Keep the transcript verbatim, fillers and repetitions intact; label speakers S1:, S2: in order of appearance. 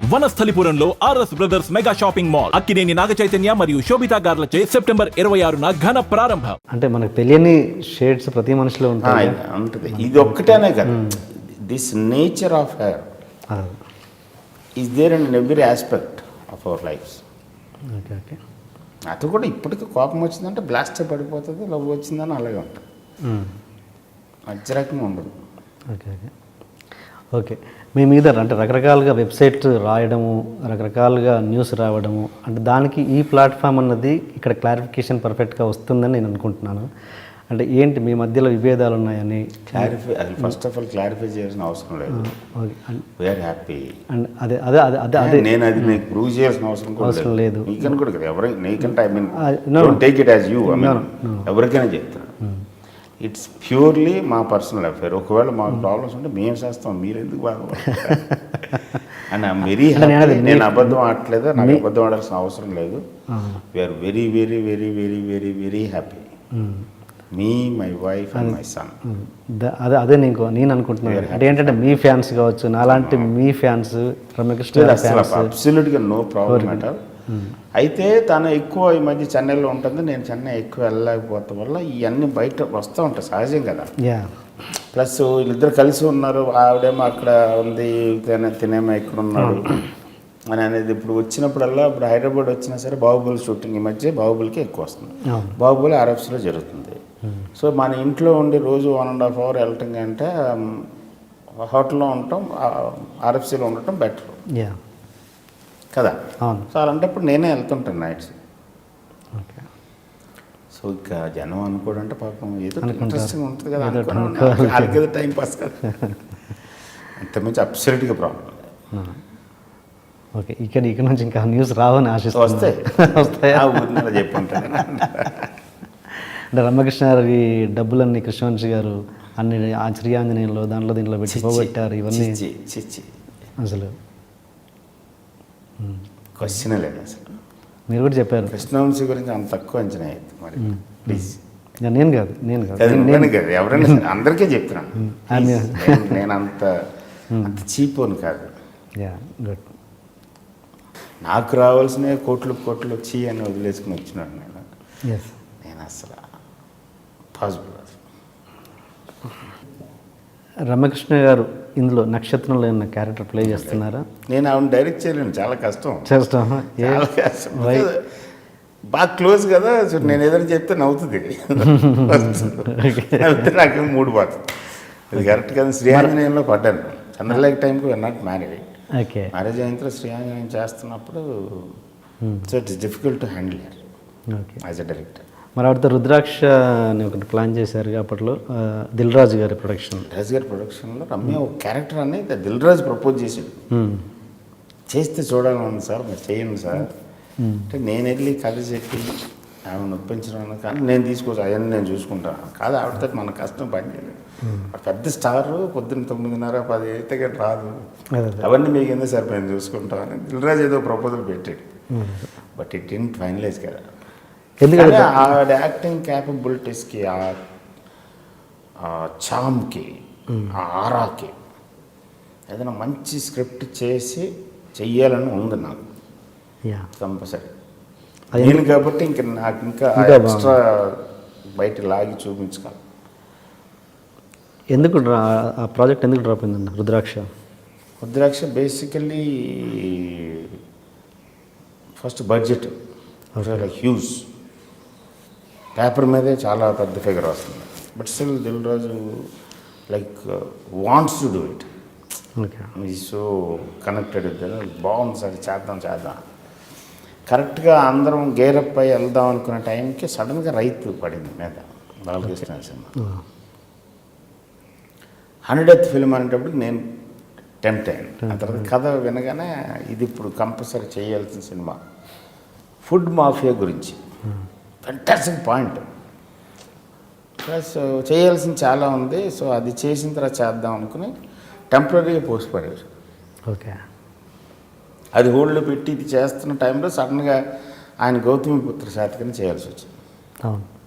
S1: వనస్థలిపురంలో RS brothers mega shopping mall Akkineni Naga Chaitanya మరియు Shobhita గార్లచే September ఇరవై ఆరున ఘన ప్రారంభం.
S2: అంటే మనకు తెలియని షేడ్స్ ప్రతి మనిషిలో ఉంటాయి.
S3: ఉంటుంది. ఇది ఒక్కటేనే కదా, this nature of hair is there in every aspect of our life.
S2: Okay okay
S3: అది కూడా ఇప్పటికీ కోపం వచ్చిందంటే బ్లాస్ట్ పడిపోతుంది, లవ్ వచ్చిందని అలాగే ఉంటుంది, మధ్య రకంగా ఉండదు.
S2: ఓకే ఓకే ఓకే మీ మీద అంటే రకరకాలుగా వెబ్సైట్ రాయడము, రకరకాలుగా న్యూస్ రావడము, అంటే దానికి ఈ ప్లాట్ఫామ్ అన్నది ఇక్కడ క్లారిఫికేషన్ పర్ఫెక్ట్గా వస్తుందని నేను అనుకుంటున్నాను. అంటే ఏంటి మీ మధ్యలో విభేదాలు ఉన్నాయని
S3: క్లారిఫై అది ఫస్ట్ ఆఫ్ ఆల్ క్లారిఫై చేయాల్సిన అవసరం లేదు. We are happy.
S2: అండ్ అదే అదే అదే అదే అదే
S3: నేను అది నీకు ప్రూవ్ చేయాల్సిన అవసరం
S2: అవసరం లేదు.
S3: నీకని కూడా కదా, ఎవరైనా నీకంటే I mean take it as you, I mean ఎవరికైనా చెప్తాను. ఇట్స్ ప్యూర్లీ మా పర్సనల్ అఫేర్. ఒకవేళ మాకు ప్రాబ్లమ్స్ ఉంటే మేము చేస్తాం, మీరు ఎందుకు బాధపడతారు అండ్ ఐఎమ్ వెరీ హ్యాపీ. నేను అబద్ధం ఆడట్లేదు, నాకు అబద్ధం ఆడాల్సిన అవసరం లేదు. We're very very very very very very happy, me my wife and my son.
S2: అదే అదే నీకు నేను అనుకుంటున్నాను. అంటే ఏంటంటే మీ ఫ్యాన్స్ కావచ్చు, నాలాంటి మీ ఫ్యాన్స్ రమ్యకృష్ణ
S3: అబ్సల్యూట్గా నో ప్రాబ్లం అట్ ఆల్. అయితే తను ఎక్కువ ఈ మధ్య చెన్నైలో ఉంటుంది, నేను చెన్నై ఎక్కువ వెళ్ళలేకపోవడం వల్ల ఇవన్నీ బయట వస్తూ ఉంటాయి, సహజం కదా. ప్లస్ వీళ్ళిద్దరు కలిసి ఉన్నారు, ఆవిడేమో అక్కడ ఉంది, తినే తినేమో ఇక్కడ ఉన్నాడు అని అనేది. ఇప్పుడు వచ్చినప్పుడల్లా ఇప్పుడు హైదరాబాద్ వచ్చినా సరే బాహుబలి షూటింగ్ ఈ మధ్య బాహుబలికి ఎక్కువ వస్తుంది. బాహుబలి ఆర్ఎఫ్సీలో జరుగుతుంది. సో మన ఇంట్లో ఉండి రోజు వన్ అండ్ హాఫ్ అవర్ వెళ్ళటం కంటే హోటల్లో ఉండటం, ఆర్ఎఫ్సీలో ఉండటం బెటర్ కదా. సో అలాంటప్పుడు నేనే వెళ్తుంటాను నైట్స్. సో ఇక జనం అనుకోడంటే పాపం ఏదో ఇంట్రెస్టింగ్ ఉంటుంది కదా, వాళ్ళకి ఏదో టైం పాస్ కదా, అంతకుమించి అబ్సల్యూట్గా ప్రాబ్లం.
S2: ఓకే ఇక్కడ ఇక్కడ నుంచి ఇంకా న్యూస్ రావని ఆశిస్తూ
S3: వస్తాయి వస్తాయా ఊరిలో చెప్పుంటాను.
S2: అంటే రమ్యకృష్ణ గారి డబ్బులన్నీ కృష్ణవంశీ గారు అన్ని ఆ శ్రీయాంజనేయంలో దాంట్లో దీంట్లో పెట్టి పోగొట్టారు, ఇవన్నీ అసలు
S3: క్వశ్చన్ లేదు అసలు.
S2: మీరు కూడా చెప్పారు
S3: కృష్ణవంశీ గురించి అంత తక్కువ అంచనా అయ్యింది మరి, ప్లీజ్.
S2: నేను కాదు నేను కాదు
S3: నేను కాదు ఎవరైనా అందరికీ చెప్తున్నాను, నేను అంత అంత చీప్ అని కాదు.
S2: గుడ్.
S3: నాకు రావాల్సిన కోట్లు కోట్లు వచ్చి అని వదిలేసుకుని వచ్చినాడు నేను. నేను అసలు పాసిబుల్.
S2: రమ్యకృష్ణ గారు ఇందులో నక్షత్రంలో ఉన్న క్యారెక్టర్ ప్లే చేస్తున్నారా?
S3: నేను ఆవిడ డైరెక్ట్ చేయలేను, చాలా కష్టం.
S2: చేస్తాం
S3: చాలా కష్టం, బాగా క్లోజ్ కదా. సో నేను ఏదైనా చెప్తే నవ్వుతుంది, నవ్వుతే నాకేం మూడు పోతుంది. ఇది కరెక్ట్ కదా. శ్రీయాంజనేయంలో పడ్డాను, చంద్రలేఖ టైంకి we're not married.
S2: Okay
S3: marriage అయిన తర్వాత శ్రీయాంజనేయం చేస్తున్నప్పుడు so it's difficult to handle
S2: okay
S3: as a director.
S2: మరి ఆవిడతో రుద్రాక్ష అని ఒకటి ప్లాన్ చేశారు అప్పట్లో, దిల్ రాజు గారి ప్రొడక్షన్.
S3: రాజు గారి ప్రొడక్షన్లో రమ్య ఒక క్యారెక్టర్ అనేది దిల్ రాజు ప్రపోజ్ చేసాడు, చేస్తే చూడాలని సార్ మీరు చేయండి సార్ అంటే నేను వెళ్ళి కథ చెప్పి ఆమె నొప్పించడం కానీ నేను తీసుకోవచ్చు అవన్నీ నేను చూసుకుంటాను కాదు. ఆవిడతో మన కష్టం పని చేయలేదు. పెద్ద స్టార్ పొద్దున్న తొమ్మిదిన్నర పది అయితే కానీ రాదు, అవన్నీ మీకు ఎందుకు సార్ నేను చూసుకుంటామని దిల్ రాజు ఏదో ప్రపోజల్ పెట్టాడు. బట్ ఇట్ ఇన్ ఫైనలైజ్ కదా, ఎందుకంటే ఆ యాక్టింగ్ క్యాపబిలిటీస్కి, ఆ చామ్కి, ఆ ఆరాకి ఏదైనా మంచి స్క్రిప్ట్ చేసి చెయ్యాలని ఉంది నాకు కంపల్సరీ. నేను కాబట్టి ఇంక నాకు ఇంకా ఎక్స్ట్రా బయట లాగి చూపించగలను.
S2: ఎందుకు ఆ ప్రాజెక్ట్ ఎందుకు డ్రాప్ అయిందండి Rudraksha?
S3: Rudraksha basically first budget huge, paper మీదే చాలా పెద్ద ఫిగర్ వస్తుంది. But still Dil Raju like wants to do it. Okay so connected బాగుంది సార్ చేద్దాం చేద్దాం. కరెక్ట్గా అందరం గేరప్ అయి వెళ్దాం అనుకునే టైంకి సడన్గా రైతు పడింది మీద బాలకృష్ణ సినిమా. హండ్రెడ్ ఫిల్మ్ అనేటప్పుడు నేను టెంప్ట్ అయ్యాను. ఆ తర్వాత కథ వినగానే ఇది ఇప్పుడు కంపల్సరీ చేయాల్సిన సినిమా, ఫుడ్ మాఫియా గురించి. Fantastic point. ప్లస్ చేయాల్సింది చాలా ఉంది. సో అది చేసిన తర్వాత చేద్దాం అనుకుని టెంపరీగా పోస్ట్ పడేది.
S2: ఓకే
S3: అది హోల్డ్లో పెట్టి ఇది చేస్తున్న టైంలో సడన్గా ఆయన గౌతమి పుత్ర శాతకని చేయాల్సి వచ్చింది.